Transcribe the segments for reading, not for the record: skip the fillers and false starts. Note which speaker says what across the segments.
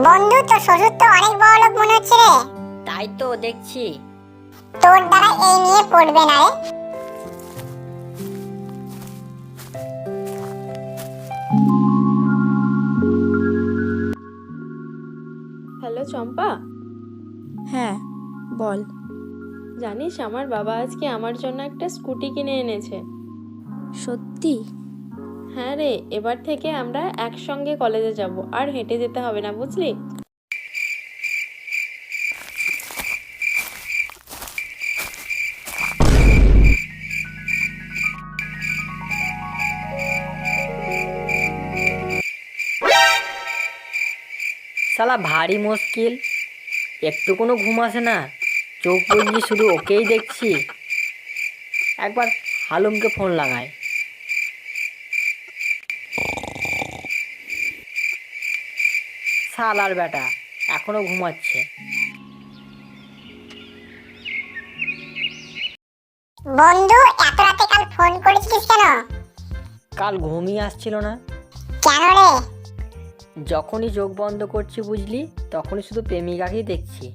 Speaker 1: বন্ধু, তোর শ্বশুর তো অনেক বড় লোক মনে হচ্ছে রে।
Speaker 2: তাই তো দেখছি।
Speaker 1: তোর দ্বারা এই নিয়ে পড়বে না রে।
Speaker 3: হ্যালো চম্পা,
Speaker 4: হ্যাঁ বল।
Speaker 3: জানিস আমার বাবা আজকে আমার জন্য একটা স্কুটি কিনে এনেছে।
Speaker 4: সত্যি?
Speaker 3: হ্যাঁ রে, এবার থেকে আমরা একসঙ্গে কলেজে যাব, আর হেঁটে যেতে হবে না, বুঝলি?
Speaker 2: শালা ভারী মুশকিল, একটু কোনো ঘুম আসে না, চোখ বুঝলি শুধু ওকেই দেখছি। একবার হালুমকে ফোন লাগায়। শালার বেটা এখনো ঘুমাচ্ছে।
Speaker 1: বন্ধু, এত রাতে কাল ফোন করেছিস কেন?
Speaker 2: কাল ঘুমিয়ে আসছিল না,
Speaker 1: কেন রে?
Speaker 2: যখনই চোখ বন্ধ করছি বুঝলি তখনই শুধু প্রেমিকাকেই দেখছি।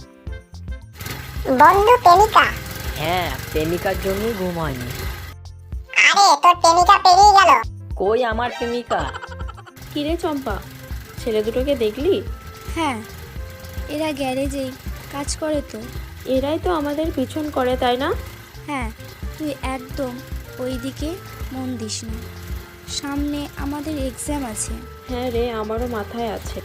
Speaker 1: বন্ধু, প্রেমিকা?
Speaker 2: হ্যাঁ, প্রেমিকার জন্যই ঘুম হয়নি।
Speaker 1: আরে, তোর প্রেমিকা পেরিয়ে গেল।
Speaker 2: কই আমার প্রেমিকা?
Speaker 3: কিরে চম্পা, ছেলে দুটোকে দেখলি?
Speaker 4: হ্যাঁ, এরা গ্যারেজেই কাজ করে তো।
Speaker 3: এরাই তো আমাদের পিছন করে, তাই না?
Speaker 4: হ্যাঁ, তুই একদম ওই দিকে মন দিস না, সামনে আমাদের এক্সাম আছে।
Speaker 3: হ্যাঁ রে, আমারও মাথায় আছে।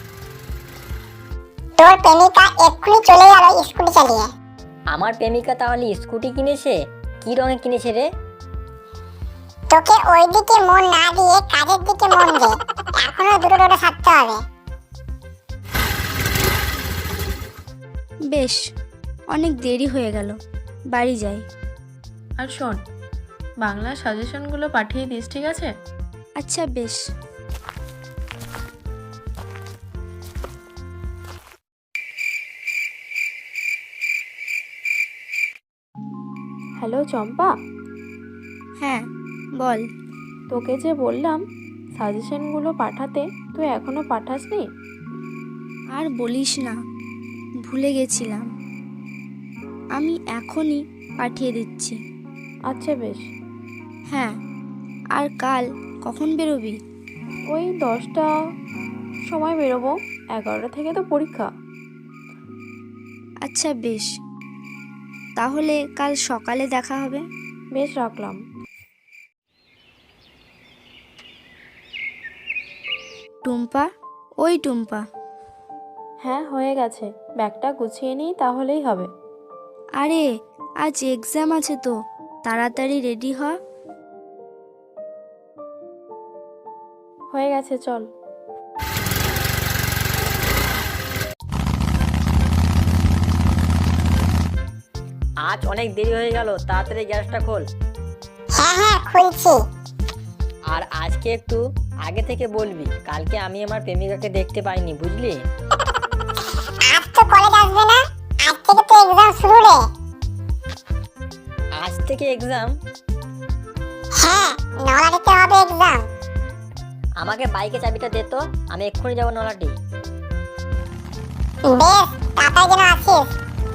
Speaker 1: তোর প্রেমিকা এক্ষুনি চলে গেল স্কুটি চালিয়ে।
Speaker 2: আমার প্রেমিকা তাহলে স্কুটি কিনেছে? কি রঙে কিনেছে রে?
Speaker 1: তোকে ওই দিকে মন না দিয়ে কাজের দিকে মন দে, এখনো দুটো দুটো ছাড়তে হবে।
Speaker 4: বেশ, অনেক দেরি হয়ে গেল, বাড়ি যাই।
Speaker 3: আর শোন, বাংলা সাজেশনগুলো পাঠিয়ে দিস, ঠিক আছে?
Speaker 4: আচ্ছা বেশ।
Speaker 3: হ্যালো চম্পা,
Speaker 4: হ্যাঁ বল।
Speaker 3: তোকে যে বললাম সাজেশনগুলো পাঠাতে, তুই এখনো পাঠাসনি?
Speaker 4: আর বলিস না, ভুলে গেছিলাম। আমি এখনই পাঠিয়ে দিচ্ছি।
Speaker 3: আচ্ছা বেশ।
Speaker 4: হ্যাঁ, আর কাল কখন বেরোবি?
Speaker 3: ওই 10টা সময় বেরোবো, 11টা থেকে তো পরীক্ষা।
Speaker 4: আচ্ছা বেশ, তাহলে কাল সকালে দেখা হবে।
Speaker 3: বেশ, রাখলাম।
Speaker 4: টুম্পা, ওই টুম্পা।
Speaker 3: হ্যাঁ, হয়ে গেছে, ব্যাগটা গুছিয়ে নিই তাহলেই হবে।
Speaker 4: আরে আজ এক্সাম আছে তো, তাড়াতাড়ি রেডি হ।
Speaker 3: হয়ে গেছে, চল।
Speaker 2: আজ অনেক দেরি হয়ে গেল, তাড়াতাড়ি গ্যাসটা খোল।
Speaker 1: হ্যাঁ হ্যাঁ, খুলছি।
Speaker 2: আর আজকে একটু আগে থেকে বলবি, কালকে আমি আমার প্রেমিকাকে দেখতে পাইনি, বুঝলি?
Speaker 1: আজ তো কলেজ আসবে না, আজ থেকে তো এক্সাম শুরু রে।
Speaker 2: আজ থেকে এক্সাম?
Speaker 1: হ্যাঁ, নলাটিতে হবে এক্সাম।
Speaker 2: আমাকে বাইকে চাবিটা দে তো, আমি এক্ষুনি যাবো নলাটি।
Speaker 1: বেশ, তাড়াতাড়ি যেন আসিস।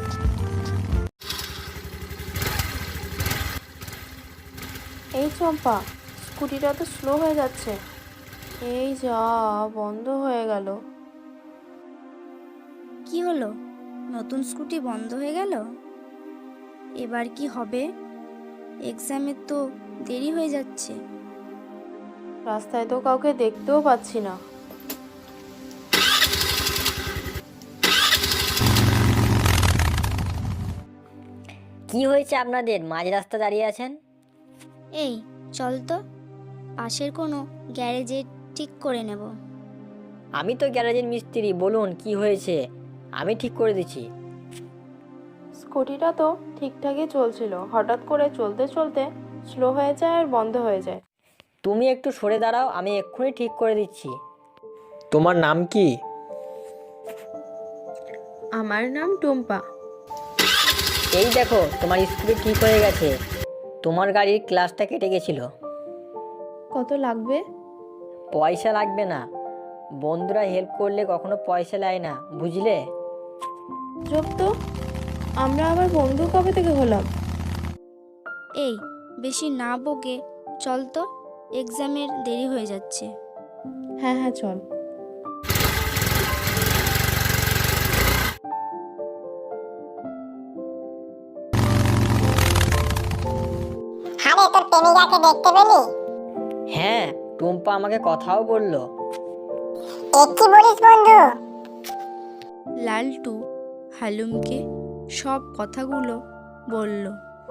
Speaker 3: এই চম্পা, স্কুটিটা তো স্লো হয়ে যাচ্ছে। এই যা, বন্ধ হয়ে গেল।
Speaker 4: কি হলো, নতুন স্কুটি বন্ধ হয়ে গেল? এবার কি হবে? এক্সামের তো দেরি হয়ে যাচ্ছে।
Speaker 3: রাস্তায় তো কাউকে দেখতেও পাচ্ছি না।
Speaker 2: কি হয়েছে আপনাদের, মাঝ রাস্তা দাঁড়িয়ে আছেন?
Speaker 4: এই চল তো, পাশের কোনো গ্যারেজে ঠিক করে নেব।
Speaker 2: আমি তো গ্যারেজের মিস্ত্রি, বলুন কি হয়েছে, আমি ঠিক করে দিচ্ছি।
Speaker 3: স্কুটিটা তো ঠিকঠাকই চলছিল, হঠাৎ করে চলতে চলতে স্লো হয়ে যায় আর বন্ধ হয়ে যায়।
Speaker 2: তুমি একটু সরে দাঁড়াও, আমি এক্ষুনি ঠিক করে দিচ্ছি।
Speaker 5: তোমার নাম কি?
Speaker 3: আমার নাম টুম্পা।
Speaker 2: এই দেখো, তোমার স্কুটি ঠিক হয়ে গেছে, তোমার গাড়ির ক্লাসটা কেটে গেছিল।
Speaker 3: কত লাগবে?
Speaker 2: পয়সা লাগবে না, বন্ধুরা হেল্প করলে কখনো পয়সা নেয় না, বুঝলে?
Speaker 3: চুপ তো, আমরা আবার বন্ধু কবে থেকে হলাম?
Speaker 4: এই বেশি না বকে চল তো, এক্সামের দেরি হয়ে যাচ্ছে।
Speaker 3: হ্যাঁ হ্যাঁ চল।
Speaker 1: আরে তোর প্রেমিকাকে দেখতে পেলি?
Speaker 2: হ্যাঁ, টুম্পা আমাকে কথাও বললো।
Speaker 1: এ কি বলিস বন্ধু?
Speaker 4: লালটু হালুমকে সব কথাগুলো বলল।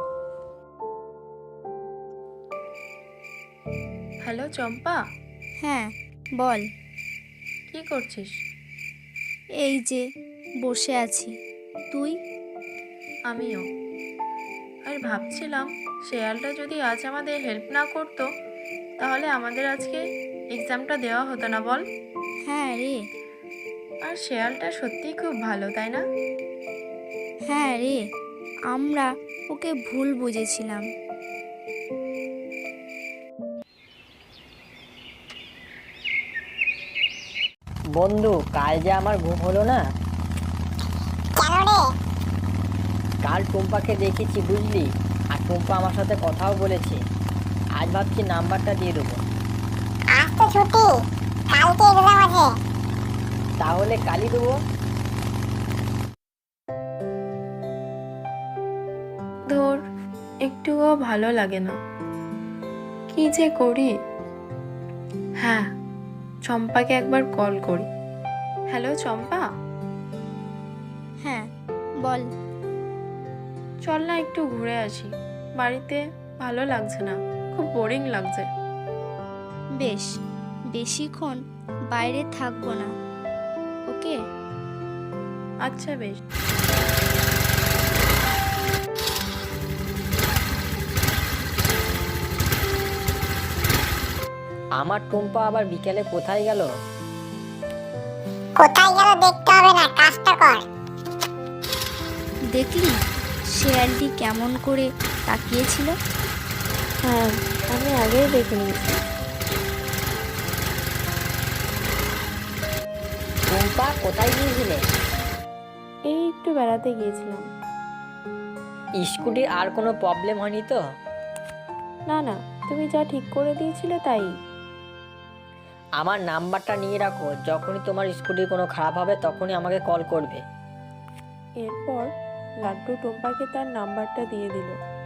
Speaker 3: হ্যালো চম্পা,
Speaker 4: হ্যাঁ বল।
Speaker 3: কি করছিস?
Speaker 4: এই যে বসে আছি, তুই?
Speaker 3: আমিও। আর ভাবছিলাম শেয়ালটা যদি আজ আমাদের হেল্প না করতো তাহলে আমাদের আজকে এক্সামটা দেওয়া হতো না, বল?
Speaker 4: হ্যাঁ রে,
Speaker 3: আর শেয়ালটা সত্যিই খুব ভালো, তাই না?
Speaker 4: হ্যাঁ রে, আমরা ওকে ভুল বুঝেছিলাম।
Speaker 2: বন্ধু, কাল যে আমার ঘুম হলো না।
Speaker 1: কেন রে?
Speaker 2: কাল টুম্পাকে দেখেছি, বুঝলি? আর টুম্পা আমার সাথে কথাও বলেছে। আজ ভাবছি নাম্বারটা দিয়ে দেবো।
Speaker 1: আজ তো ছুটি, কালকে এক্সাম আছে।
Speaker 2: তাহলে কালই দেবো।
Speaker 3: ধর, একটুও ভালো লাগে না, কি যে করি। হ্যাঁ, চম্পাকে একবার কল করি। হ্যালো চম্পা,
Speaker 4: হ্যাঁ বল।
Speaker 3: চল না একটু ঘুরে আসি, বাড়িতে ভালো লাগছে না, খুব বোরিং লাগছে।
Speaker 4: বেশ, বেশিক্ষণ বাইরে থাকবো না, ওকে?
Speaker 3: আচ্ছা বেশ।
Speaker 2: আমার টুম্পা আবার বিকেলে কোথায় গেল?
Speaker 1: কোথায় গেল দেখতে হবে না, কাজটা কর।
Speaker 4: দেখলি শেয়ালটি কেমন করে তাকিয়েছিল?
Speaker 3: হ্যাঁ, আমি আগেই দেখে নিয়েছি।
Speaker 2: টুম্পা কোথায় গিয়েছিলে?
Speaker 3: এই একটু বেড়াতে গিয়েছিলাম।
Speaker 2: স্কুটির আর কোনো প্রবলেম হয়নি তো?
Speaker 3: না না, তুমি যা ঠিক করে দিয়েছিলে তাই।
Speaker 2: আমার নাম্বারটা নিয়ে রাখো, যখনই তোমার স্কুটির কোনো খারাপ হবে তখনই আমাকে কল করবে।
Speaker 3: এরপর লাড্ডু টম্পাকে তার নাম্বারটা দিয়ে দিল।